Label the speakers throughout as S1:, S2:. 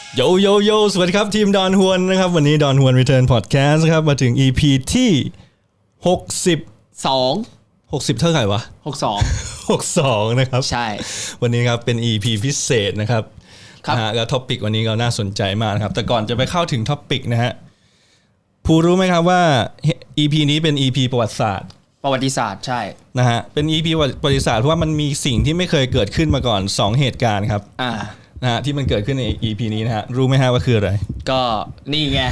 S1: โยโยโยสวัสดีครับทีมดอนฮวนนะครับวันนี้ดอนฮวนรีเทิร์นพอดแคสต์ครับมาถึง EP ที่60เท่าไหร่วะ62นะครับ
S2: ใช่
S1: วันนี้ครับเป็น EP พิเศษนะครับ
S2: ครับ
S1: แล้วท็อปิกวันนี้ก็น่าสนใจมากนะครับแต่ก่อนจะไปเข้าถึงท็อปิกนะฮะผู้รู้ไหมครับว่า EP นี้เป็น EP ประวัติศาสตร์
S2: ใช่
S1: นะฮะเป็น EP ประวัติศาสตร์เพราะว่ามันมีสิ่งที่ไม่เคยเกิดขึ้นมาก่อน2เหตุการณ์ครับนะฮะที่มันเกิดขึ้นใน EP นี้นะฮะรู้ไหมฮะว่าคืออะไร
S2: ก็นี่ไง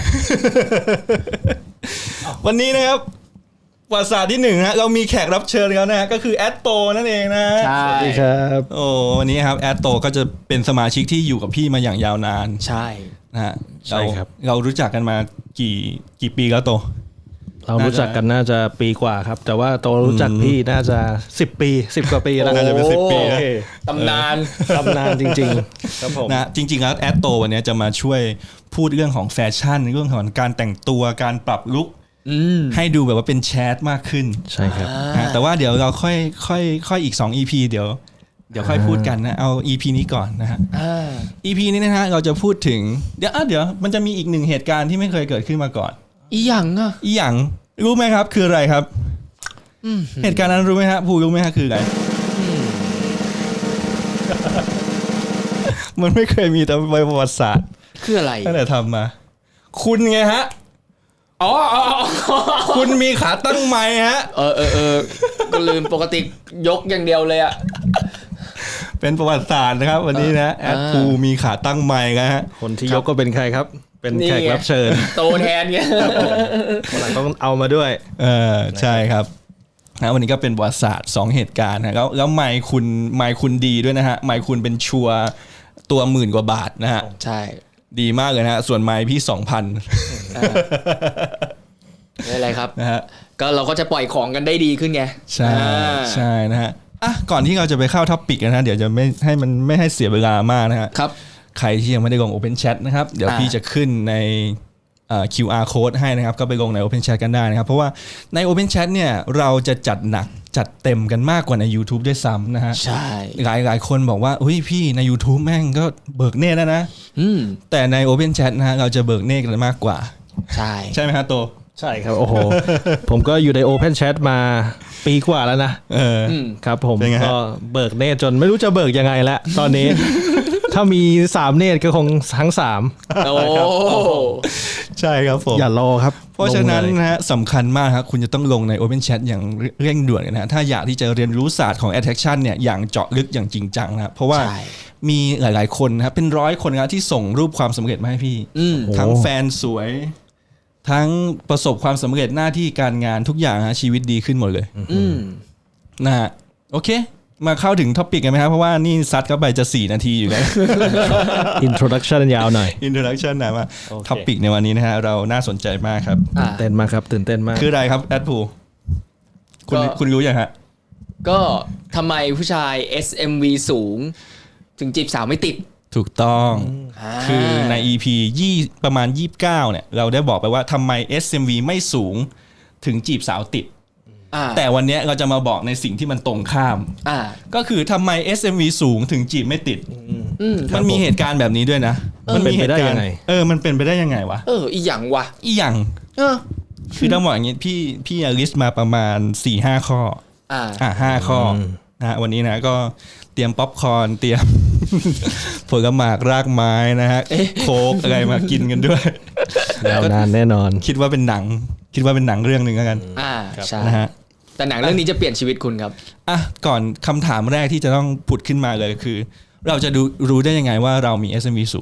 S1: วันนี้นะครับประวัติศาสตร์ที่1นะเรามีแขกรับเชิญแล้วนะฮะก็คือแอดโตนั่นเองนะ
S2: ใช่
S3: สวัสดีครับ
S1: โอ้วันนี้ครับแอดโตก็จะเป็นสมาชิกที่อยู่กับพี่มาอย่างยาวนาน
S2: ใช่
S1: นะฮะ
S3: ใช่ครับ
S1: เรารู้จักกันมากี่ปีแล้วโต
S3: เรารู้จักกันน่าจะปีกว่าครับแต่ว่าโตรู้จักพี่น่าจะ10 ปี10 กว่าปีแล้ว
S1: น่าจะเป็น10 ปีนะ
S2: ตำนาน
S3: จริงๆครับผม
S1: นะจริงๆแล้วแอดโตวันนี้จะมาช่วยพูดเรื่องของแฟชั่นเรื่องของการแต่งตัวการปรับลุคให้ดูแบบว่าเป็นแชทมากขึ้น
S3: ใช่ครับ
S1: แต่ว่าเดี๋ยวเราค่อยอีก2 EP เดี๋ยวค่อยพูดกันนะเอา EP นี้ก่อนนะฮะEP นี้นะฮะเราจะพูดถึงเดี๋ยวมันจะมีอีก1เหตุการณ์ที่ไม่เคยเกิดขึ้นมาก่อน
S2: อีหยัง
S1: รู้ไหมครับคืออะไรครับเหตุการณ์นั้นรู้ไหมฮะผู้รู้ไหมฮะคืออะไรมันไม่เคยมีแต่ในประวัติศาสตร์
S2: คืออะไร
S1: ตั้งแต่ทำมาคุณไงฮะ
S2: อ๋อ
S1: คุณมีขาตั้งไม้ฮะ
S2: ก็ลืมปกติยกอย่างเดียวเลยอะ
S1: เป็นประวัติศาสตร์นะครับวันนี้นะแอดภูมีขาตั้งไม้นะฮะ
S3: คนที่ยกก็เป็นใครครับเป็นแขกรับเชิญ
S2: โตแทนไง
S3: วันหลังต้องเอามาด้วย
S1: ใช่ครับนะวันนี้ก็เป็นประวัติศาสตร์2เหตุการณ์นะแล้วไมค์คุณดีด้วยนะฮะไมค์คุณเป็นชัวตัว10,000 กว่าบาทนะฮะ
S2: ใช่
S1: ดีมากเลยนะฮะส่วนไมค์พี่ 2,000
S2: ไม่อะไรครับ
S1: นะฮะ
S2: ก็เราก็จะปล่อยของกันได้ดีขึ้นไง
S1: ใช่นะฮะก่อนที่เราจะไปเข้าท็อปิกนะฮะเดี๋ยวจะไม่ให้เสียเวลามากนะฮะ
S2: ครับ
S1: ใครที่ยังไม่ได้ลง Open Chat นะครับเดี๋ยวพี่จะขึ้นในQR Code ให้นะครับก็ไปลงใน Open Chat กันได้นะครับเพราะว่าใน Open Chat เนี่ยเราจะจัดหนักจัดเต็มกันมากกว่าใน YouTube ด้วยซ้ำนะฮะ
S2: ใช่
S1: หลายคนบอกว่าเฮ้ยพี่ใน YouTube แม่งก็เบิกเนตรแล้วนะแต่ใน Open Chat นะฮะเราจะเบิกเนตรกันมากกว่าใช่ไหมฮะโต
S3: ใช่ครับโอ้โหผมก็อยู่ใน Open Chat มาปีกว่าแล้วนะครับผมก็เบิกเนตรจนไม่รู้จะเบิกยังไงแล้วตอนนี้ ถ้ามี3เนตรก็คงทั้ง3
S2: โอ้
S1: ใช่ครับผม
S3: อย่ารอครับ
S1: เพราะฉะนั้นนะฮะสำคัญมากครับคุณจะต้องลงใน Open Chat อย่างเร่งด่วนนะฮะถ้าอยากที่จะเรียนรู้ศาสตร์ของ Attraction เนี่ยอย่างเจาะลึกอย่างจริงจังนะเพราะว่ามีหลายๆคนนะครับเป็น100 คนนะที่ส่งรูปความสำเร็จมาให้พี่ทั้งแฟนสวยทั้งประสบความสำเร็จหน้าที่การงานทุกอย่างฮะชีวิตดีขึ้นหมดเลยนะฮะโอเคมาเข้าถึงท็อปิกกันไหมครับเพราะว่านี่ซัดเข้าไปจะ4 นาทีอยู่แล้ว
S3: Introduction ยาวหน่อย
S1: Introduction นะว่าท็อปิกในวันนี้นะฮะเราน่าสนใจมากครับ
S3: ตื่นเต้นมากครับตื่นเต้นมาก
S1: คืออะไรครับแอดพูคุณรู้ยังฮะ
S2: ก็ทำไมผู้ชาย SMV สูงถึงจีบสาวไม่ติด
S1: ถูกต้องคือใน EP ประมาณ29เนี่ยเราได้บอกไปว่าทำไม SMV ไม่สูงถึงจีบสาวติดแต่วันนี้เราจะมาบอกในสิ่งที่มันตรงข้ามก็คือทำไม SMV สูงถึงจีบไม่ติดมันมีเหตุการณ์แบบนี้ด้วยนะ
S3: มันเป็นไปได้ยังไง
S1: มันเป็นไปได้ยังไงวะ
S2: อีหยังวะ
S1: อีหยังคือต้องบอกอย่างนี้พี่ลิสต์มาประมาณ 4-5 ข้อ5 ข้อนะวันนี้นะก็เตรียมป๊อปคอร์นเตรียมผลไม้รากไม้นะฮะโค้กอะไรมากินกันด้วย
S3: ยาวนานแน่นอน
S1: คิดว่าเป็นหนังเรื่องนึงแล้วกัน
S2: ใช่
S1: นะฮะ
S2: แต่หนังเรื่องนี้จะเปลี่ยนชีวิตคุณครับ
S1: ก่อนคำถามแรกที่จะต้องผุดขึ้นมาเลยคือเราจะรู้ได้ยังไงว่าเรามี SMV สูง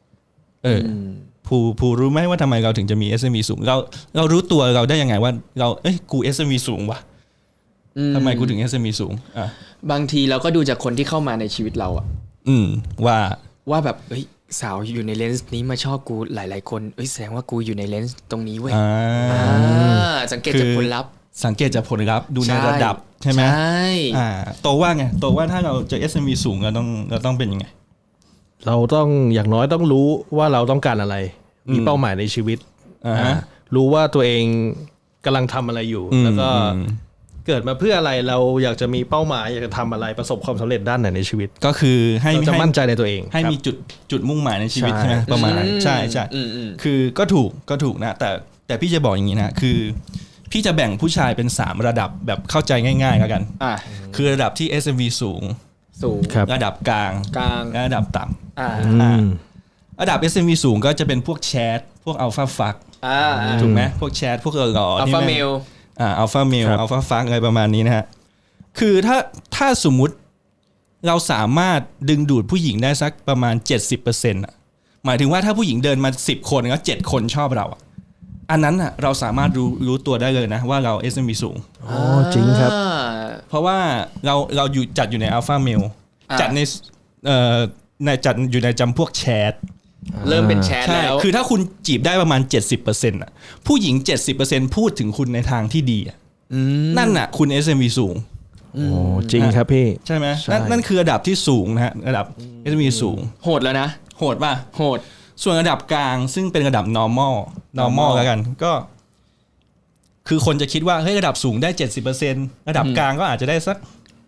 S1: ผู้รู้ไหมว่าทำไมเราถึงจะมี SMV สูงเรารู้ตัวเราได้ยังไงว่าเรากู SMV สูงวะทำไมกูถึง SMV สูง
S2: บางทีเราก็ดูจากคนที่เข้ามาในชีวิตเราว่าแบบสาวอยู่ในเลนส์นี้มาชอบกูหลายๆคนแสดงว่ากูอยู่ในเลนส์ตรงนี้เว้ยสังเกตจากผลลัพธ์
S1: ดูในระดับใช่ไหม
S2: ใช่
S1: โตว่าไงโตว่าถ้าเราจะ SMV สูงเราต้องเป็นยังไง
S3: เราต้องอย่างน้อยต้องรู้ว่าเราต้องการอะไรมีเป้าหมายในชีวิตรู้ว่าตัวเองกำลังทำอะไรอยู่แล้วก็เกิดมาเพื่ออะไรเราอยากจะมีเป้าหมายอยากจะทำอะไรประสบความสำเร็จด้านไหนในชีวิต
S1: ก็คือให้
S3: เราจะมั่นใจในตัวเอง
S1: ให้มีจุดมุ่งหมายในชีวิตใช่ไหมประมาณใช่ใช่คือก็ถูกนะแต่พี่จะบอกอย่างนี้นะคือพี่จะแบ่งผู้ชายเป็น3ระดับแบบเข้าใจง่ายๆแล้วกันคือระดับที่ SMV สูงระดับกลางและระดับต่ำระดับ SMV สูงก็จะเป็นพวกแชทพวกอัลฟาฟักถูกไหมพวกแชทพวกหล่อ
S2: อัลฟาเมล
S1: อัลฟาเมลอัลฟาฟักอะไรประมาณนี้นะฮะคือถ้าสมมุติเราสามารถดึงดูดผู้หญิงได้สักประมาณ 70% หมายถึงว่าถ้าผู้หญิงเดินมา10คนแล้ว7คนชอบเราอันนั้นอ่ะเราสามารถรู้ตัวได้เลยนะว่าเรา SMV สูง
S3: จริงครับ
S1: เพราะว่าเราอยู่จัดอยู่ในอัลฟาเมลจัดในจัดอยู่ในจำพวกแชท
S2: เริ่มเป็นแชทแล้ว
S1: คือถ้าคุณจีบได้ประมาณ 70% อ่ะผู้หญิง 70% พูดถึงคุณในทางที่ดีนั่นน่ะคุณ SMV สูง
S3: จริงครับพี่
S1: ใช่ไหมนั่นคือระดับที่สูงนะฮะระดับ SMV สูง
S2: โหดแล้วนะ
S1: โหดป่ะ
S2: โหด
S1: ส่วนระดับกลางซึ่งเป็นระดับ normal แล้วกันก็คือคนจะคิดว่าเฮ้ยระดับสูงได้ 70% ระดับกลางก็อาจจะได้สัก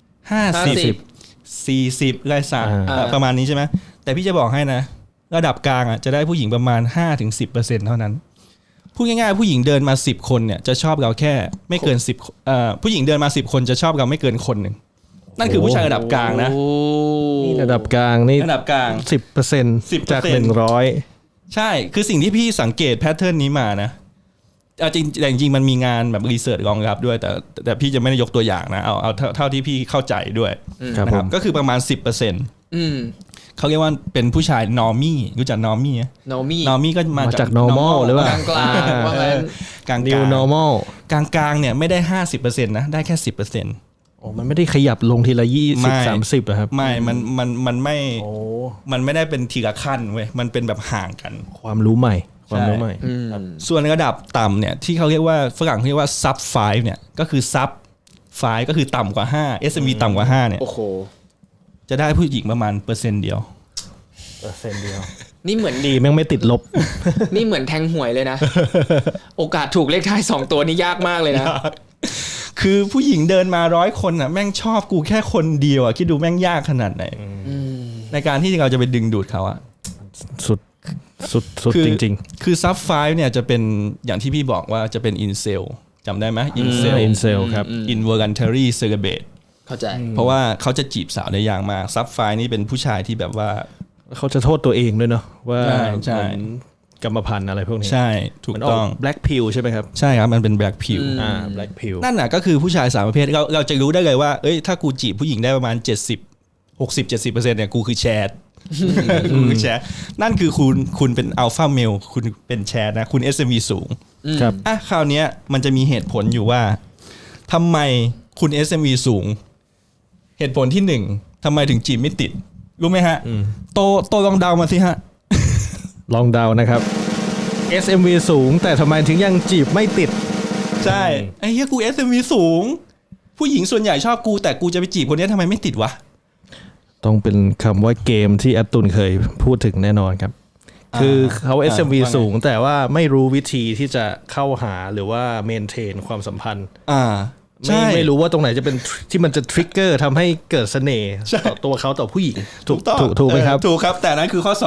S1: 50 40อะไรสักประมาณนี้ใช่ไหมแต่พี่จะบอกให้นะระดับกลางจะได้ผู้หญิงประมาณ 5-10% เท่านั้นพูดง่ายๆผู้หญิงเดินมา10คนเนี่ยจะชอบเราแค่ไม่เกิน10ผู้หญิงเดินมา10คนจะชอบเราไม่เกินคนนึงนั่นคือผู้ชายระดับกลางนะ
S3: นี่ระดับกลางนี่
S1: ระดับกลาง
S3: 10% จาก100
S1: ใช่คือสิ่งที่พี่สังเกตแพทเทิร์นนี้มานะจริงมันมีงานแบบรีเสิร์ชรองรับด้วยแต่พี่จะไม่ได้ยกตัวอย่างนะเอาเท่าที่พี่เข้าใจด้วยนะครับก็คือประมาณ 10%เขาเรียกว่าเป็นผู้ชายนอร์มี่รู้จักนอร์มี่
S2: นอร์
S1: มี่ก็มาจาก
S3: normal หรือว่าก
S2: ลางว่างั้น
S1: กลาง
S3: new normal
S1: กลางเนี่ยไม่ได้ 50% นะได้แค่ 10%
S3: มันไม่ได้ขยับลงทีละ20-30นะครับ
S1: ไม่มันไม่มันไม่ได้เป็นทีละขั้นเว้ยมันเป็นแบบห่างกัน
S3: ความรู้ใหม่
S1: ส่วนระดับต่ำเนี่ยที่เขาเรียกว่าฝรั่งเรียกว่า sub 5เนี่ยก็คือ sub 5ก็คือต่ำกว่า5 SMV ต่ำกว่า5เนี่ยจะได้ผู้หญิงประมาณ%เดียว
S2: นี่เหมือน
S3: ดีแม่งไม่ติดลบ
S2: นี่เหมือนแทงหวยเลยนะโอกาสถูกเลขท้าย2ตัวนี่ยากมากเลยนะ
S1: คือผู้หญิงเดินมา100คนน่ะแม่งชอบกูแค่คนเดียวคิดดูแม่งยากขนาดไหนในการที่เราจะไปดึงดูดเขา
S3: สุดจริง
S1: ๆคือซับไฟเนี่ยจะเป็นอย่างที่พี่บอกว่าจะเป็นอินเซลจำได้ไหมอิน
S3: เซลครับ
S1: involuntary celibate
S2: เข้าใจ
S1: เพราะว่าเขาจะจีบสาวได้ยากมากซับไฟนี่เป็นผู้ชายที่แบบว่า
S3: เขาจะโทษตัวเองด้วยเนาะว่ากรรมพันธุ์อะไรพวกนี้
S1: ใช่ถูกต้อง
S3: black pill ใช่ไหมครับ
S1: ใช่ครับมันเป็น black pill
S3: black pill
S1: นั่นน่ะก็คือผู้ชาย3ประเภทเราจะรู้ได้เลยว่าเอ้ยถ้ากูจีบผู้หญิงได้ประมาณ60-70% เนี่ยกูคือแชทคุณแชร์นั่นคือคุณเป็นอัลฟาเมลคุณเป็นแชร์นะคุณ SMV สูง
S3: ครับ
S1: คราวนี้มันจะมีเหตุผลอยู่ว่าทำไมคุณ SMV สูงเหตุผลที่1ทำไมถึงจีบไม่ติดรู้ไหมฮะโตลองเดามาสิฮะ
S3: ลองเดานะครับ SMV สูงแต่ทำไมถึงยังจีบไม่ติด
S1: ใช่ไอ้เหี้ยกู SMV สูงผู้หญิงส่วนใหญ่ชอบกูแต่กูจะไปจีบคนนี้ทำไมไม่ติดวะ
S3: ต้องเป็นคำว่าเกมที่อัตตุนเคยพูดถึงแน่นอนครับคือเขา SMV สูงแต่ว่าไม่รู้วิธีที่จะเข้าหาหรือว่าเมนเทนความสัมพันธ์ไม่รู้ว่าตรงไหนจะเป็นที่มันจะทริกเกอร์ทำให้เกิดเสน่ห์ต่อตัวเขาต่อผู้หญิงถูกไหมครับ
S1: ถูกครับแต่นั้นคือข้อ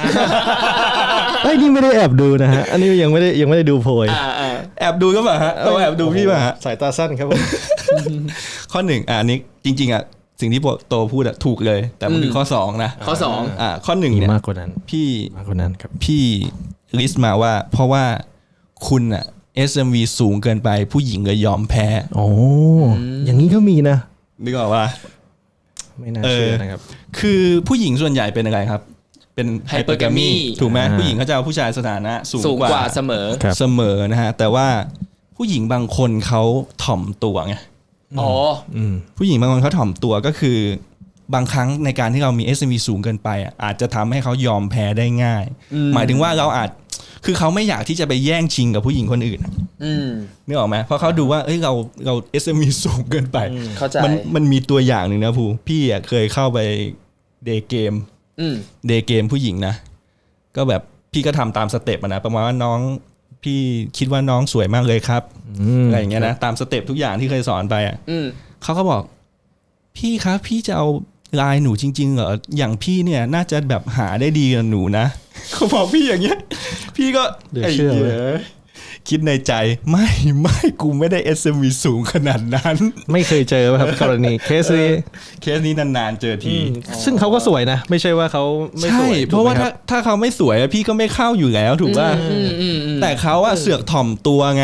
S3: 2นี่ไม่ได้แอบดูนะฮะอันนี้ยังไม่ได้ดูโพย
S1: แอบดูก็ป่ะฮะตัวแอบดูพี่ป่ะฮะ
S3: สายตาสั้นครับผม
S1: ข้อ1อันนี้จริงๆสิ่งที่โตพูดถูกเลยแต่มันคือข้อ2นะ
S2: ข้อ2
S1: ข้อ1เนี่ย
S3: มากกว่านั้นมากกว่านั้นครับ
S1: พี่ลิสต์มาว่าเพราะว่าคุณSMV สูงเกินไปผู้หญิงเลยยอมแพ้
S3: อย่างนี้ก็มีนะ
S1: นึกออกว่า
S3: ไม่น่าเชื่อนะครับ
S1: คือผู้หญิงส่วนใหญ่เป็นอะไรครับเป็นไฮเปอร์แกมีถูกไหมผู้หญิงเขาจะเอาผู้ชายสถานะสูงกว่า
S2: เส
S1: มอนะฮะแต่ว่าผู้หญิงบางคนเขาถ่อมตัวไงผู้หญิงบางคนเขาถ่อมตัวก็คือบางครั้งในการที่เรามี SMV สูงเกินไปอาจจะทำให้เขายอมแพ้ได้ง่ายหมายถึงว่าเราอาจคือเขาไม่อยากที่จะไปแย่งชิงกับผู้หญิงคนอื่นนึกออกไหมเพราะเขาดูว่าเอ้ยเรา SMV สูงเกินไปมันมีตัวอย่างหนึ่งนะพี่เคยเข้าไปเดย์เกมผู้หญิงนะก็แบบพี่ก็ทำตามสเต็ปนะประมาณว่าน้องพี่คิดว่าน้องสวยมากเลยครับอะไรอย่างเงี้ยนะตามสเต็ปทุกอย่างที่เคยสอนไปอ่ะเขาก็บอกพี่ครับพี่จะเอาลายหนูจริงๆเหรออย่างพี่เนี่ยน่าจะแบบหาได้ดีกว่าหนูนะเขาบอกพี่อย่างเงี้ยพี่ก็ไอ้เหี้ยคิดในใจไม่กูไม่ได้ SMV สูงขนาดนั้น
S3: ไม่เคยเจอครับกรณีเคส
S1: นี้นานๆเจอที
S3: ซึ่งเขาก็สวยนะไม่ใช่ว่าเขาไม่สวย
S1: เพราะว่าถ้าเขาไม่สวยพี่ก็ไม่เข้าอยู่แล้วถูกป่ะแต่เขาอะเสือกถ่อมตัวไง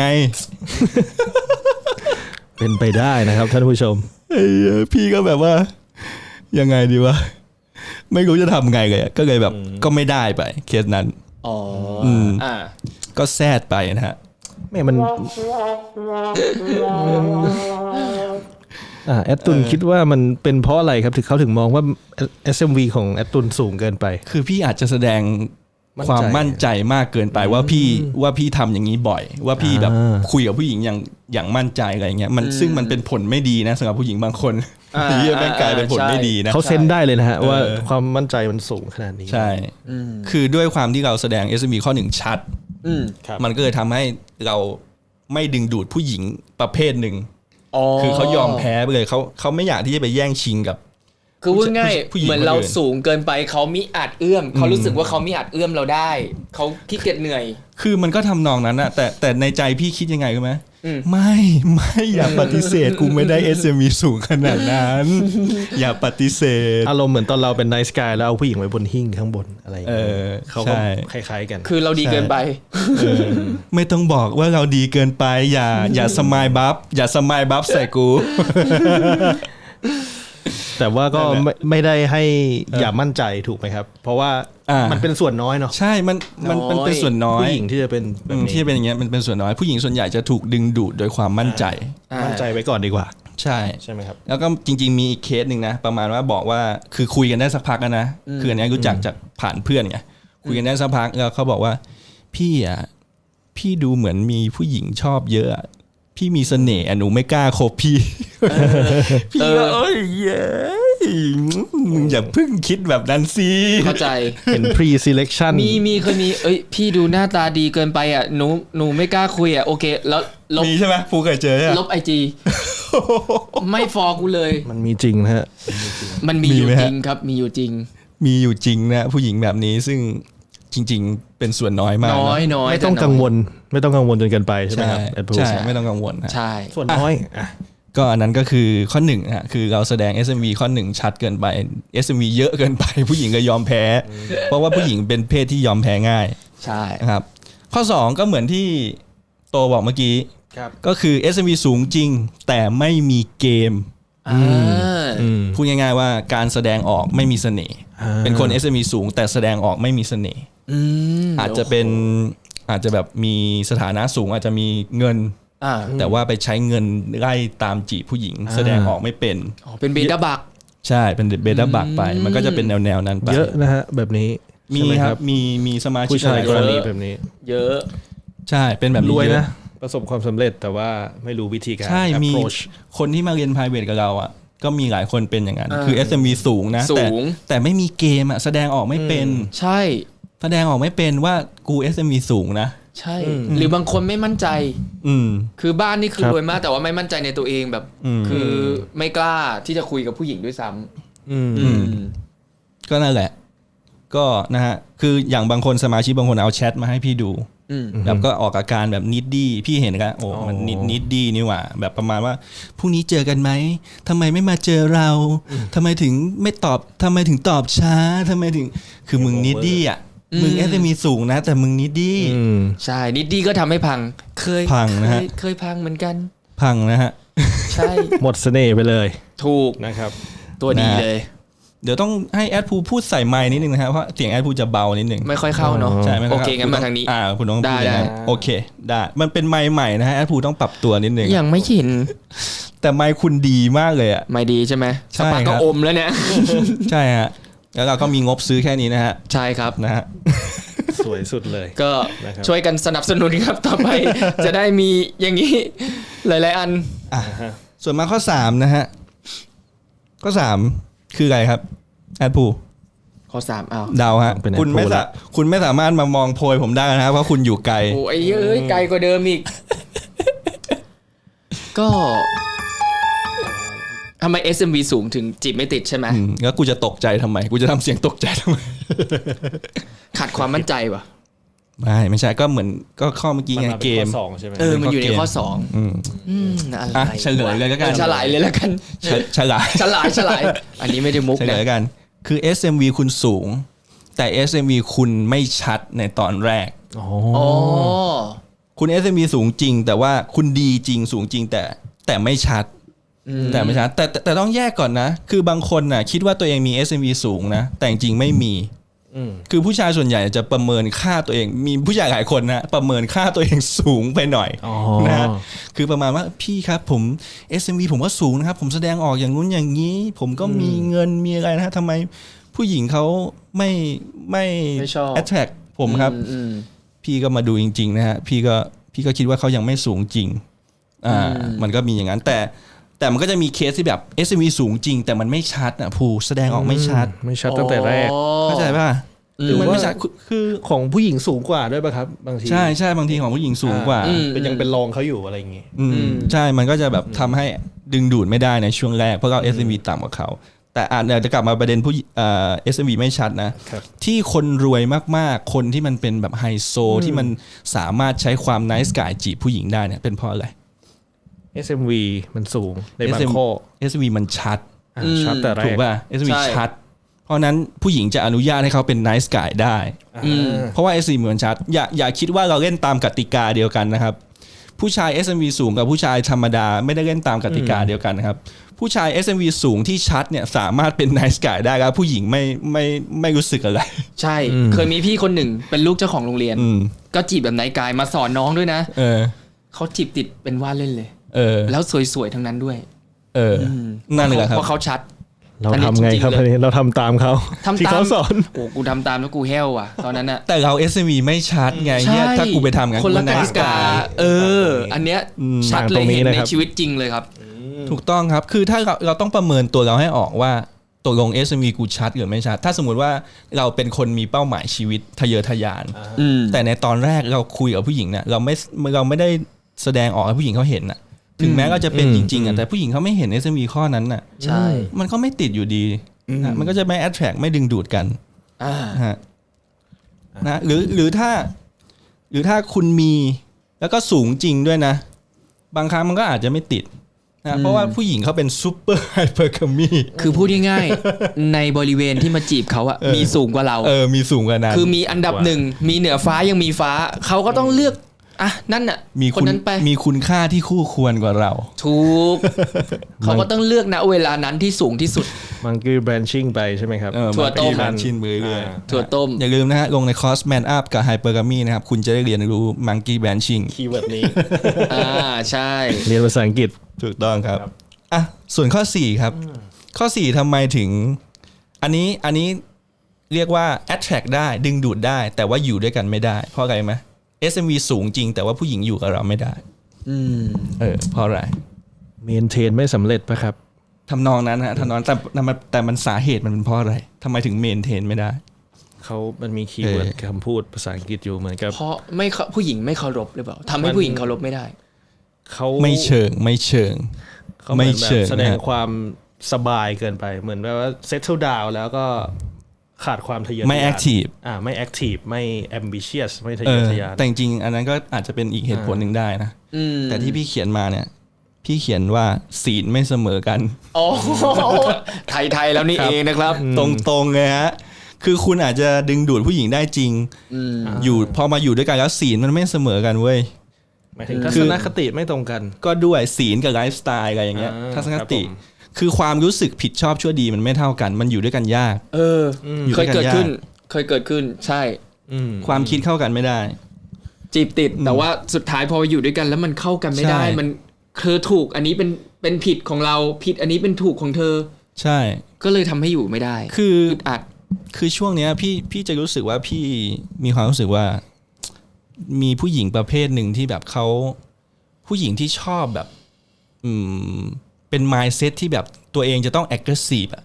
S3: เป็นไปได้นะครับท่านผู้ชม
S1: พี่ก็แบบว่ายังไงดีวะไม่รู้จะทำไงเลยก็เลยแบบก็ไม่ได้ไปเคสนั้นก็แซดไปนะฮะ
S3: ไม่มันแอดตุนคิดว่ามันเป็นเพราะอะไรครับถึงเขาถึงมองว่า SMV ของแอดตุนสูงเกินไป
S1: คือพี่อาจจะแสดงความมั่นใจมากเกินไปว่าพี่ทำอย่างนี้บ่อยว่าพี่แบบคุยกับผู้หญิงอย่างมั่นใจอะไรเงี้ยมันซึ่งมันเป็นผลไม่ดีนะสำหรับผู้หญิงบางคนที่แม่งกลายเป็นผลไม่ดีนะ
S3: เขาเซนได้เลยนะฮะว่าความมั่นใจมันสูงขนาดนี้
S1: ใช่คือด้วยความที่เราแสดง SMV ข้อ1ชัดมันก็เลยทำให้เราไม่ดึงดูดผู้หญิงประเภทหนึ่งคือเขายอมแพ้ไปเลยเขาไม่อยากที่จะไปแย่งชิงกับ
S2: คือพูดง่ายเหมือนเราสูงเกินไปเขามิอาจเอื้อมเขารู้สึกว่าเขามิอาจเอื้อมเราได้เขาขี้เกียจเหนื่อย
S1: คือมันก็ทำนองนั้นอะแต่ในใจพี่คิดยังไงรู้ไหมไม่อย่าปฏิเสธกูไม่ได้ SMV สูงขนาดนั้นอย่าปฏิเสธ
S3: อารมณ์เหมือนตอนเราเป็นไนท์สกายแล้วเอาผู้หญิงไว้บนหิ้งข้างบนอะไรอย่างเงี้ยเขาก็คล้ายๆกัน
S2: คือเราดีเกินไป
S1: ไม่ต้องบอกว่าเราดีเกินไปอย่าสมายบัฟใส่กู
S3: แต่ว่าก็ไม่ได้ให้อย่ามั่นใจถูกไหมครับเพราะว่ามันเป็นส่วนน้อยเนาะ
S1: ใช่มันเป็นส่วนน้อย
S3: ผู้หญิงที่จะเป็น
S1: ที่เป็นอย่างเงี้ยมันเป็นส่วนน้อยผู้หญิงส่วนใหญ่จะถูกดึงดูดโดยความมั่นใจ
S3: ไว้ก่อนดีกว่า
S1: ใช่ไหมครับแล้วก็จริงๆมีอีกเคสหนึ่งนะประมาณว่าบอกว่าคือคุยกันได้สักพักนะคืออันนี้รู้จักจากผ่านเพื่อนไงคุยกันได้สักพักแล้วเขาบอกว่าพี่ดูเหมือนมีผู้หญิงชอบเยอะพี่มีเสน่ห์หนูไม่กล้าคบพี่ก็มึงอย่าเพิ่งคิดแบบนั้นสิ
S2: เข้าใจ
S3: เห็น pre selection
S2: เคยมีพี่ดูหน้าตาดีเกินไปอ่ะหนูไม่กล้าคุยอ่ะโอเคแล้วลบ
S1: มีใช่ไหมฟูเคยเจอ
S2: ลบ IG ไม่ฟอกูเลย
S3: มันมีจริงนะฮะ
S2: มันมีอยู่จริงครับมีอยู่จ
S1: ริงนะผู้หญิงแบบนี้ซึ่งจริงๆเป็นส่วนน้อยมาก
S2: น้อย
S3: ไม่ต้องกังวลจนเกินไปใช่ไหมครับ
S1: ใช่ไม่ต้องกังวล
S2: ใช่
S3: ส่วนน้อย
S1: ก็อันนั้นก็คือข้อ1ฮะคือเราแสดง SMV ข้อ1ชัดเกินไป SMV เยอะเกินไปผู้หญิงก็ยอมแพ้เพราะว่าผู้หญิงเป็นเพศที่ยอมแพ้ง่าย
S2: ใช่
S1: ครับข้อ2ก็เหมือนที่โตบอกเมื่อกี้ก็คือ SMV สูงจริงแต่ไม่มีเกมพูดง่ายๆว่าการแสดงออกไม่มีเสน่ห์เป็นคน SMV สูงแต่แสดงออกไม่มีเสน่ห์อาจจะแบบมีสถานะสูงอาจจะมีเงินแต่ว่าไปใช้เงินไล่ตามจีบผู้หญิงแสดงออกไม่เป็น
S2: เป็นเบต้าบัก
S1: ใช่เป็นเบต้าบักไปมันก็จะเป็นแนวนั้นไป
S3: เยอะนะฮะแบบนี้
S1: มีครับมีสมาชิก
S3: ผู้ชายกรณีแบบนี้
S2: เยอะ
S1: ใช่เป็นแบบนี้
S3: รวยนะประสบความสำเร็จแต่ว่าไม่รู้วิธีการ
S1: ใช่มีคนที่มาเรียน private กับเราอ่ะก็มีหลายคนเป็นอย่างนั้นคือ SMV สูงนะแต่ไม่มีเกมอ่ะแสดงออกไม่เป็น
S2: ใช่
S1: แสดงออกไม่เป็นว่ากู SMV สูงนะ
S2: ใช่หรือบางคนไม่มั่นใจคือบ้านนี่คือรวยมากแต่ว่าไม่มั่นใจในตัวเองแบบคือไม่กล้าที่จะคุยกับผู้หญิงด้วยซ้
S1: ำก็นั่นแหละก็นะฮะคืออย่างบางคนสมาชิกบางคนเอาแชทมาให้พี่ดูแล้วก็ออกอาการแบบนิดดี้พี่เห็นกันโอ้มันนิดดี้นี่หว่าแบบประมาณว่าพรุ่งนี้เจอกันไหมทำไมไม่มาเจอเราทำไมถึงไม่ตอบทำไมถึงตอบช้าทำไมถึงคือมึงนิดดี้อ่ะมึงSMVสูงนะแต่มึงนิดดี้
S2: ใช่นิดดี้ก็ทำให้พังเคย
S1: พังนะฮะ
S2: เคยพังเหมือนกัน
S1: พังนะฮะ
S2: ใช่
S3: หมดเสน่ห์ไปเลย
S2: ถูก
S3: นะครับ
S2: ตัวดีเลย
S1: เดี๋ยวต้องให้แอดพูพูดใส่ไมค์นิดนึงนะครับเพราะเสียงแอดพูจะเบานิดนึง
S2: ไม่ค่อยเข้าเนาะ
S1: ใช่
S2: โอเคงั้นมาทางนี้
S1: คุณต้องพูดได้โอเคได้มันเป็นไมค์ใหม่นะฮะแอดพูต้องปรับตัวนิดนึง
S2: ยังไม่ชิน
S1: แต่ไมค์คุณดีมากเลยอ่ะ
S2: ไมค์ดีใช่ไหมสปาก็อมแล้วเนี่ย
S1: ใช่ฮะแล้วเราก็มีงบซื้อแค่นี้นะฮะ
S2: ใช่ครับ
S1: นะฮะ
S3: สวยสุดเลย
S2: ก็ช่วยกันสนับสนุนครับต่อไปจะได้มีอย่างนี้หลายๆอัน
S1: ส่วนมาข้อ3นะฮะข้อ3คืออะไรครับแอดพู
S2: ข้อ3อ้าว
S1: เดาฮะคุณไม่สามารถมามองโพยผมได้นะครับเพราะคุณอยู่ไกล
S2: โอ้ยเอ้ยไกลกว่าเดิมอีกก็ทำไม SMV สูงถึงจีบไม่ติดใช่ไหม
S1: แล้วกูจะตกใจทำไมกูจะทำเสียงตกใจทำไม
S2: ขาดความมั่นใจวะ
S1: ไม่ใช่ก็เหมือนก็ข้อเมื่อกี้ไงเกม
S3: ใช่ไหม
S2: มันอยู่ในข้อ2
S1: อะไรเฉลยเลยแล้วกัน
S2: ฉลายเลยแล้วกัน
S1: ฉล
S2: ายอันนี้ไม่ได้มุก
S1: เฉลยกันคือ SMV คุณสูงแต่ SMV คุณไม่ชัดในตอนแรกคุณ SMV สูงจริงแต่ว่าคุณดีจริงสูงจริงแต่ไม่ชัดแต่ต้องแยกก่อนนะคือบางคนน่ะคิดว่าตัวเองมี SMV สูงนะแต่จริงไม่มีคือผู้ชายส่วนใหญ่จะประเมินค่าตัวเองมีผู้ชายหลายคนนะประเมินค่าตัวเองสูงไปหน่อยนะคือประมาณว่าพี่ครับผม SMV ผมก็สูงนะครับผมแสดงออกอย่างนู้นอย่างนี้ผมก็มีเงินมีอะไรนะทำไมผู้หญิงเขาไม่ attract ผมครับพี่ก็มาดูจริงๆนะฮะพี่ก็คิดว่าเขายังไม่สูงจริงมันก็มีอย่างนั้นแต่มันก็จะมีเคสที่แบบ SMV สูงจริงแต่มันไม่ชัดอ่ะผู้แสดงออกไม่ชัด
S3: ตั้งแต่แรก
S1: เข้าใจป่ะ
S3: หรือมันไม่ชัดคือของผู้หญิงสูงกว่าด้วยป่ะครับบางที
S1: ใช่บางทีของผู้หญิงสูงกว่า
S3: เป็นยังเป็นรองเขาอยู่อะไรอย่างงี้
S1: ใช่มันก็จะแบบทำให้ดึงดูดไม่ได้ในช่วงแรกเพราะเรา SMV ต่ำกว่าเขาแต่จะกลับมาประเด็นผู้SMV ไม่ชัดนะที่คนรวยมากๆคนที่มันเป็นแบบไฮโซที่มันสามารถใช้ความ nice guy จีบผู้หญิงได้เนี่ยเป็นเพราะอะไร
S3: SMV มันสูงในบางข้อ
S1: SMV มันชัด
S3: แต่แรก
S1: ถูกป่ะ SMV ชัดเพราะนั้นผู้หญิงจะอนุญาตให้เขาเป็น nice guy ได้เพราะว่า SMV มันชัดอย่าคิดว่าเราเล่นตามกติกาเดียวกันนะครับผู้ชาย SMV สูงกับผู้ชายธรรมดาไม่ได้เล่นตามกติกาเดียวกันนะครับผู้ชาย SMV สูงที่ชัดเนี่ยสามารถเป็น nice guy ได้ครับผู้หญิงไม่รู้สึกอะไร
S2: ใช่เคยมีพี่คนหนึ่งเป็นลูกเจ้าของโรงเรียนก็จีบแบบ nice guy มาสอนน้องด้วยนะเขาจีบติดเป็นว่าเล่นเลยแล้วสวยๆทั้งนั้นด้วย
S1: นั่นแหละครับ
S2: เพราะเขาชัด
S3: เราทำไงครับเราทำตามเขาที่เขาสอน
S2: โอ้กูทำตามแล้วกูแห้วว่ะตอนนั้นอะ
S1: แต่เรา SMV ไม่ชัดไงถ้ากูไปทำงั้น
S2: คนละกติกาอันเนี้ยชัดเลยเห็นในชีวิตจริงเลยครับ
S1: ถูกต้องครับคือถ้าเราต้องประเมินตัวเราให้ออกว่าตกลง SMV กูชัดหรือไม่ชัดถ้าสมมุติว่าเราเป็นคนมีเป้าหมายชีวิตทะเยอทะยานแต่ในตอนแรกเราคุยกับผู้หญิงเนี่ยเราไม่ได้แสดงออกให้ผู้หญิงเขาเห็นน่ะถึงแม้ก็จะเป็นจริงๆอ่ะแต่ผู้หญิงเขาไม่เห็น SMV ข้อนั้นน่ะ
S2: ใช่
S1: มันก็ไม่ติดอยู่ดีมันก็จะไม่ attract ไม่ดึงดูดกันนะหรือถ้าคุณมีแล้วก็สูงจริงด้วยนะบางครั้งมันก็อาจจะไม่ติดนะเพราะว่าผู้หญิงเขาเป็นซูเปอร์ไฮเปอร์คามี
S2: คือพูดง่ายๆในบริเวณที่มาจีบเขาอะมีสูงกว่าเรา
S1: มีสูงกว่านั้น
S2: คือมีอันดับหนึ่งมีเหนือฟ้ายังมีฟ้าเขาก็ต้องเลือกนั่นน่ะคนนั้นไป
S1: มีคุณค่าที่คู่ควรกว่าเรา
S2: ถูกเขาก็ต้องเลือกณเวลานั้นที่สูงที่สุด
S3: มันคือ branching ไปใช่ไหมครับ
S2: ถั่วต้ม
S1: branching ไปเรื่อย
S2: ถั่วต้ม
S1: อย่าลืมนะฮะลงในคอร์ส Man Up กับ Hypergamy นะครับคุณจะได้เรียนรู้ Monkey Branching
S3: คีย์เวิร์ดนี้
S2: ใช่
S3: เรียนภาษาอังกฤษ
S1: ถูกต้องครับส่วนข้อ4ครับข้อ4ทำไมถึงอันนี้เรียกว่า attract ได้ดึงดูดได้แต่ว่าอยู่ด้วยกันไม่ได้เพราะอะไรไหมSMV สูงจริงแต่ว่าผู้หญิงอยู่กับเราไม่ได้เพราะอะไร
S3: เมนเทนไม่สำเร็จป่ะครับ
S1: ทำนองนั้นฮะทำนองแต่มันสาเหตุมันเป็นเพราะอะไรทำไมถึงเมนเทนไม่ได้
S3: มันมีคีย์เวิร์ดคำพูดภาษาอังกฤษอยู่เหมือนกับ
S2: เพราะผู้หญิงไม่เคารพหรือเปล่าทำให้ผู้หญิงเคารพไม่ได้
S3: เขา
S1: ไม่เชิงไม่เชิง
S3: แสดงความสบายเกินไปเหมือนแบบว่า settle down แล้วก็ขาดความทะเยอทะยาน
S1: ไม่ active
S3: ไม่ active ไม่ ambitious ไม่ทะเยอทะยาน
S1: แต่จริงๆอันนั้นก็อาจจะเป็นอีกเหตุผลหนึ่งได้นะแต่ที่พี่เขียนมาเนี่ยพี่เขียนว่าศีลไม่เสมอกัน
S2: โอ้ไทยแล้วนี่เองนะครับ
S1: ตรงๆเลยฮะคือคุณอาจจะดึงดูดผู้หญิงได้จริงอยู่พอมาอยู่ด้วยกันแล้วศีลมันไม่เสมอกันเว้ย
S3: หมายถึงทัศนคติไม่ตรงกัน
S1: ก็ด้วยศีลกับไลฟ์สไตล์อะไรอย่างเงี้ยทัศนคติคือความรู้สึกผิดชอบชั่วดีมันไม่เท่ากันมันอยู่ด้วยกันยาก
S2: เคยเกิดขึ้นใช่
S1: ความคิดเข้ากันไม่ได้
S2: จีบติดแต่ว่าสุดท้ายพออยู่ด้วยกันแล้วมันเข้ากันไม่ได้มันเธอถูกอันนี้เป็นผิดของเราผิดอันนี้เป็นถูกของเธอ
S1: ใช่
S2: ก็เลยทำให้อยู่ไม่ได้
S1: คือ
S2: อัด
S1: คือช่วงเนี้ยพี่จะรู้สึกว่าพี่มีความรู้สึกว่ามีผู้หญิงประเภทหนึ่งที่แบบเขาผู้หญิงที่ชอบแบบเป็น mindset ที่แบบตัวเองจะต้อง aggressive อ่ะ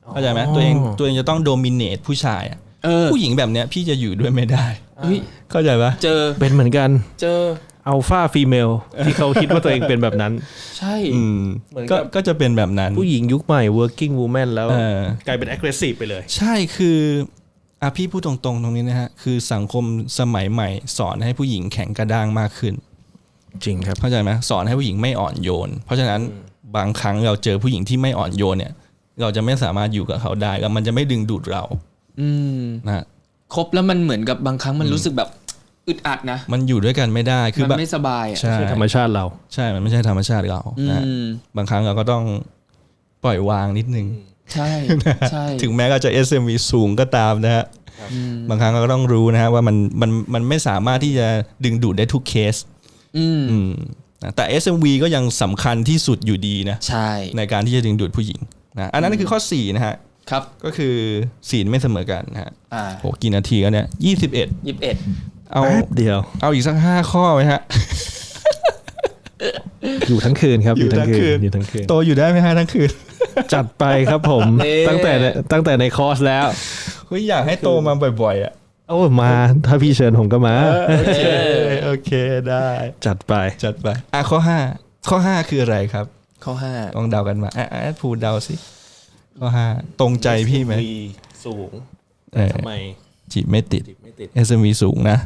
S1: เข้าใจไหมตัวเองจะต้องโดมิเนตผู้ชายผู้หญิงแบบเนี้ยพี่จะอยู่ด้วยไม่ได้เข้าใจปะ
S2: เจอ
S3: เป็นเหมือนกัน
S2: เจอ
S3: อัลฟาฟีเมลที่เขาคิดว่าตัวเองเป็นแบบนั้น
S2: ใช่
S1: ก็จะเป็นแบบนั้น
S3: ผู้หญิงยุคใหม่ working woman แล้วกลายเป็น aggressive ไปเลย
S1: ใช่คือพี่พูดตรงๆตรงนี้นะฮะคือสังคมสมัยใหม่สอนให้ผู้หญิงแข็งกระด้างมากขึ้น
S3: จริงครับ
S1: เข้าใจไหมสอนให้ผู้หญิงไม่อ่อนโยนเพราะฉะนั้นบางครั้งเราเจอผู้หญิงที่ไม่อ่อนโยนเนี่ยเราจะไม่สามารถอยู่กับเขาได้แล้วมันจะไม่ดึงดูดเรานะ
S2: คบแล้วมันเหมือนกับบางครั้งมันรู้สึกแบบอึดอัดนะ
S1: มันอยู่ด้วยกันไม่ได้
S2: คือมันไม่สบาย
S3: ใช่ธรรมชาติเรา
S1: ใช่มันไม่ใช่ธรรมชาติเรานะบางครั้งเราก็ต้องปล่อยวางนิดนึง
S2: ใช่ใช่
S1: ถึงแม้เราจะ SMV สูงก็ตามนะฮะบางครั้งเราก็ต้องรู้นะฮะว่ามันไม่สามารถที่จะดึงดูดได้ทุกเคสแต่ SMV ก็ยังสำคัญที่สุดอยู่ดีนะ
S2: ใช่
S1: ในการที่จะดึงดูดผู้หญิงนะอันนั้นคือข้อ4นะฮะ
S2: ครับ
S1: ก็คือศีลไม่เสมอกันนะฮะโหกี่นาทีกันเนี่ย21
S3: เอาเดียว
S1: เอาอีกสัก5ข้อไหมฮะ
S3: อยู่ทั้งคืนครับอยู่ทั้งคืน
S1: โตอยู่ได้ไหมฮะทั้งคืน
S3: จัดไปครับผมตั้งแต่ในคอร์สแล้ว
S1: อยากให้โตมาบ่อยๆอ่ะ
S3: โอ้มาถ้าพี่เชิญผมก็มา
S1: โอเคได้
S3: จัดไป
S1: ข้อ5คืออะไรครับ
S2: ข้อ5
S1: ลองเดากันมาพูดเดาสิข้อ5ตรงใจพี่ไหม
S3: สูงทำไม
S1: จีบไม่ติด SMV สูงนะ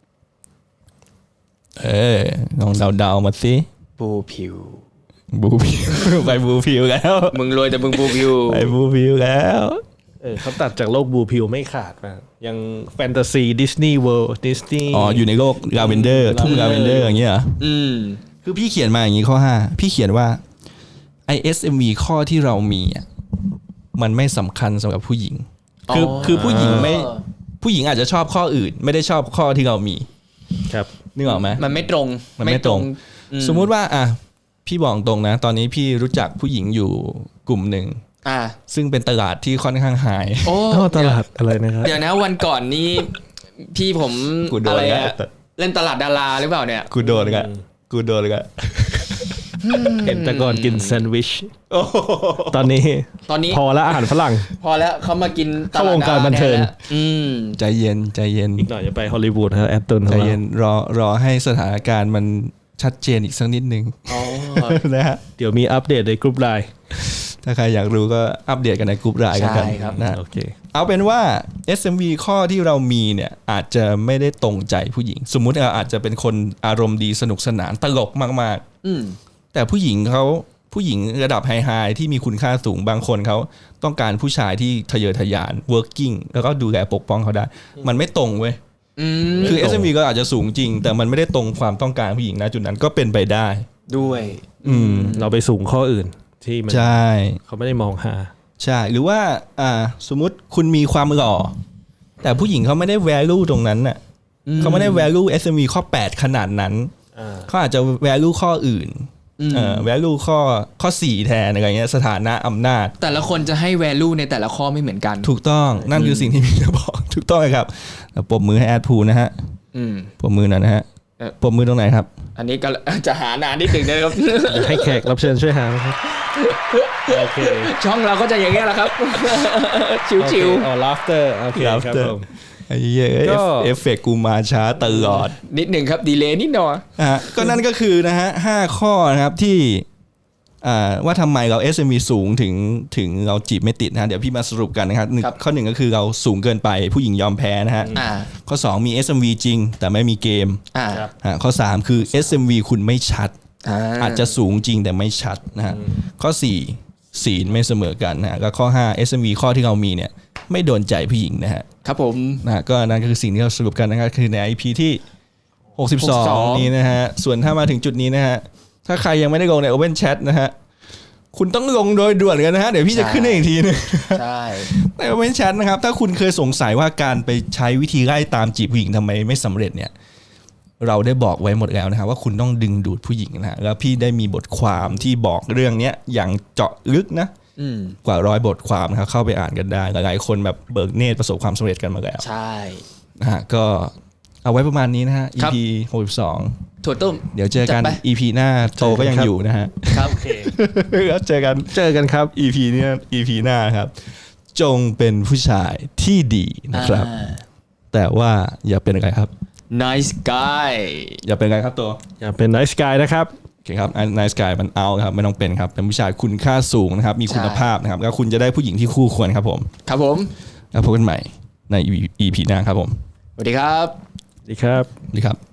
S1: ลองเดามาสิ
S2: บูผิว
S1: ไปบูพิวแล้ว
S2: มึงรวยแต่มึงบูพิว
S1: ไปบูพิวแล้ว
S3: เขาตัดจากโลกบูพิวไม่ขาดมายังแฟนตาซีดิสนีย์เวิลด์ดิสนีย์
S1: อยู่ในโลกลาเวนเดอร์ทุ่งลาเวนเดอร์อย่างเงี้ยคือพี่เขียนมาอย่างงี้ข้อ5พี่เขียนว่า ISMV ข้อที่เรามีมันไม่สำคัญสำหรับผู้หญิงคือผู้หญิงอาจจะชอบข้ออื่นไม่ได้ชอบข้อที่เรามี
S3: ครับ
S1: นึกออกไหม
S2: มันไม่ตรง
S1: สมมุติว่าพี่บอกตรงนะตอนนี้พี่รู้จักผู้หญิงอยู่กลุ่มหนึ่งซึ่งเป็นตลาดที่ค่อนข้างหาย
S3: ตลาดอะไรนะครับ
S2: เดี๋ยวนะวันก่อนนี้พี่ผมอะไรเล่นตลาดดาราหรือเปล่าเนี่ย
S1: กูโดนกัน
S3: เห็นแต่ก่อนกินแซนด์วิชตอนนี้พอแล้วอาหารฝรั่ง
S2: พอแล้วเขามากิน
S3: เข้าวงการบันเทิง
S1: ใจเย็น
S3: อีกหน่อยจะไปฮอลลีวูดครับแอตตัน
S1: ใจเย็นรอให้สถานการณ์มันชัดเจนอีกสักนิดนึงนะฮะ
S3: เดี๋ยวมีอัปเดตในกลุ่มไลน์
S1: ถ้าใครอยากรู้ก็อัปเดตกันในกลุ่มไลน์กันนะ
S3: โอเค
S1: เอาเป็นว่า SMV ข้อที่เรามีเนี่ยอาจจะไม่ได้ตรงใจผู้หญิงสมมุติเราอาจจะเป็นคนอารมณ์ดีสนุกสนานตลกมากๆแต่ผู้หญิงระดับไฮที่มีคุณค่าสูงบางคนเขาต้องการผู้ชายที่ทะเยอทะยาน working แล้วก็ดูแลปกป้องเขาได้มันไม่ตรงเว้ยคือ SMV ก็อาจจะสูงจริงแต่มันไม่ได้ตรงความต้องการผู้หญิงนะจุดนั้นก็เป็นไปได้
S2: ด้วย
S3: เราไปสูงข้ออื่นที่มัน
S1: ใช่
S3: เขาไม่ได้มองหา
S1: ใช่หรือว่าสมมุติคุณมีความหล่อแต่ผู้หญิงเขาไม่ได้ value ตรงนั้นน่ะเขาไม่ได้ value SMV ข้อ8ขนาดนั้นเขาอาจจะ value ข้ออื่นvalue ข้อ4แทนอะไรเงี้ยสถานะอำนาจ
S2: แต่ละคนจะให้ value ในแต่ละข้อไม่เหมือนกัน
S1: ถูกต้องนั่นคือสิ่งที่พี่จะบอกถูกต้องครับปรบมือให้แอดพูนะฮะปรบมือหน่อยนะฮะปรบมือตรงไหนครับ
S2: อันนี้ก็จะหานานนิดนึงนะครับ
S3: ให้แขกรับเชิญช่วยหาครับโอเค
S2: ช่องเราก็จะอย่างเงี้ยแหละครับชิว
S3: ๆlaughter โอเคครับผม
S1: ไอ้เหี้ยเอฟเฟกต์กูมาช้าตลอด
S2: นิดหนึ่งครับดีเลย์นิดหน่อย
S1: ก็นั่นก็คือนะฮะ5ข้อนะครับที่ว่าทำไมเรา SMV สูงถึงเราจีบไม่ติดนะเดี๋ยวพี่มาสรุปกันนะครับข้อ1ก็คือเราสูงเกินไปผู้หญิงยอมแพ้นะฮะข้อ2มี SMV จริงแต่ไม่มีเกมข้อ3คือ SMV คุณไม่ชัดอาจจะสูงจริงแต่ไม่ชัดนะฮะข้อ4ศีลไม่เสมอกันนะแล้วข้อ5 SMV ข้อที่เรามีเนี่ยไม่โดนใจผู้หญิงนะฮะ
S2: ครับผม
S1: นะก็นั่นก็คือสิ่งที่เราสรุปกันนะครับคือใน EP ที่62นี้นะฮะส่วนถ้ามาถึงจุดนี้นะฮะถ้าใครยังไม่ได้ลงใน Open Chat นะฮะคุณต้องลงโดยด่วนกันนะฮะเดี๋ยวพี่จะขึ้นให้อีกทีนึง
S2: ใช่
S1: ใน Open Chat นะครับถ้าคุณเคยสงสัยว่าการไปใช้วิธีไล่ตามจีบผู้หญิงทำไมไม่สำเร็จเนี่ยเราได้บอกไว้หมดแล้วนะครับว่าคุณต้องดึงดูดผู้หญิงนะฮะแล้วพี่ได้มีบทความที่บอกเรื่องนี้อย่างเจาะลึกนะกว่า100บทความนะครับเข้าไปอ่านกันได้หลายๆคนแบบเบิกเนตรประสบความสำเร็จกันมาแล้ว
S2: ใช่
S1: นะฮะก็เอาไว้ประมาณนี้นะฮะ EP 62
S2: ถั่วต้ม
S1: เดี๋ยวเจอกัน EP หน้าโตก็ยังอยู่นะฮะ
S2: ครับโอเค
S1: แล้วเจอกัน
S3: ครับ
S1: EP นี้ EP หน้าครับจงเป็นผู้ชายที่ดีนะครับแต่ว่าอย่าเป็นอะไรครับ
S2: nice guy
S1: อย่าเป็นอะไรครับตัว
S3: อย่าเป็น nice guy นะครับ
S1: โอเคครับ nice guy มันเอาครับไม่ต้องเป็นครับเป็นผู้ชายคุณค่าสูงนะครับมีคุณภาพนะครับแล้วคุณจะได้ผู้หญิงที่คู่ควรครับผม
S2: ครับผม
S1: แล้วพบกันใหม่ใน EP หน้าครับผม
S2: สวัสดีครับ
S3: สวัสดีครับ
S1: สวัสดีครับ